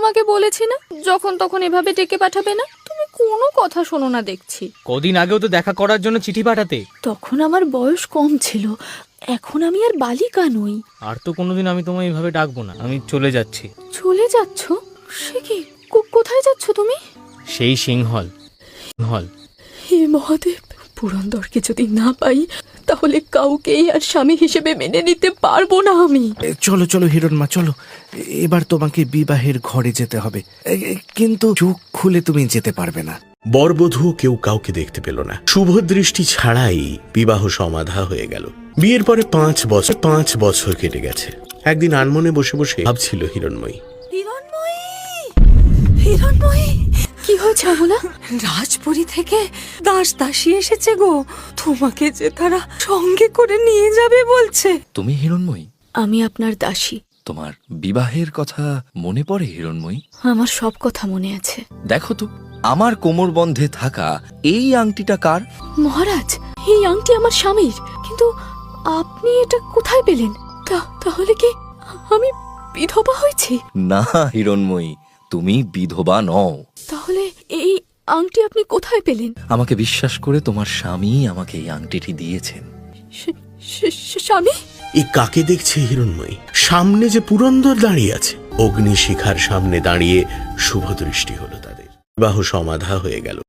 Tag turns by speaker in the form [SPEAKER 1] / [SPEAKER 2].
[SPEAKER 1] তোমাকে বলেছি না যখন তখন এভাবে ডেকে পাঠাবে না? তুমি কোনো কথা শোনো না দেখছি।
[SPEAKER 2] কদিন আগেও তো দেখা করার জন্য চিঠি পাঠাতে।
[SPEAKER 1] তখন আমার বয়স কম ছিল, এখন আমি আর বালিকা নই।
[SPEAKER 2] আর তো কোনোদিন আমি তোমায় এইভাবে ডাকবো না। আমি চলে যাচ্ছি।
[SPEAKER 1] চলে যাচ্ছ? সে কি, কোথায় যাচ্ছ তুমি?
[SPEAKER 2] সেই সিংহল হল।
[SPEAKER 1] হে মহাদেব, পুরন্দরকে যদি না পাই তাহলে কাউকেই আর স্বামী হিসেবে মেনে নিতে পারবো না আমি।
[SPEAKER 3] চলো চলো হিরণমা, চলো। এবার তোমাকে বিবাহের ঘরে যেতে হবে, কিন্তু চোখ খুলে তুমি যেতে পারবে না।
[SPEAKER 4] বরবধূ কেউ কাউকে দেখতে পেল না। শুভ দৃষ্টি ছাড়াই বিবাহ সমাধা হয়ে গেল। বিয়ের পরে 5 বছর কেটে গেছে। একদিন আনমনে বসে বসে ভাবছিল হিরণময়ী।
[SPEAKER 1] হিরণময়ী, হিরণময়ী, কি হয়েছে অমলা?
[SPEAKER 5] রাজপুরী থেকে দাস দাসী এসেছে গো, তোমাকে যে তারা সঙ্গে করে নিয়ে যাবে বলছে।
[SPEAKER 6] তুমি হিরণময়ী?
[SPEAKER 1] আমি আপনার দাসী।
[SPEAKER 6] তোমার বিবাহের কথা মনে পড়ে হিরণময়ী?
[SPEAKER 1] আমার সব কথা মনে আছে।
[SPEAKER 6] দেখো তো, আমার কোমরবন্ধে থাকা এই আংটিটা কার?
[SPEAKER 1] মহারাজ, এই আংটি আমার স্বামীর, কিন্তু আপনি এটা কোথায় পেলেন? তাহলে কি আমি বিধবা হয়েছি?
[SPEAKER 6] না হিরণময়ী, তুমি বিধবা নও।
[SPEAKER 1] তাহলে এই আংটি আপনি কোথায় পেলেন?
[SPEAKER 6] আমাকে বিশ্বাস করে তোমার স্বামী আমাকে এই আংটিটি দিয়েছেন।
[SPEAKER 1] স্বামী?
[SPEAKER 4] এই কাকে দেখছে হিরণময়ী? সামনে যে পুরন্দর দাঁড়িয়ে আছে। অগ্নিশিখার সামনে দাঁড়িয়ে শুভ দৃষ্টি হলো তাদের। বিবাহ সমাধা হয়ে গেল।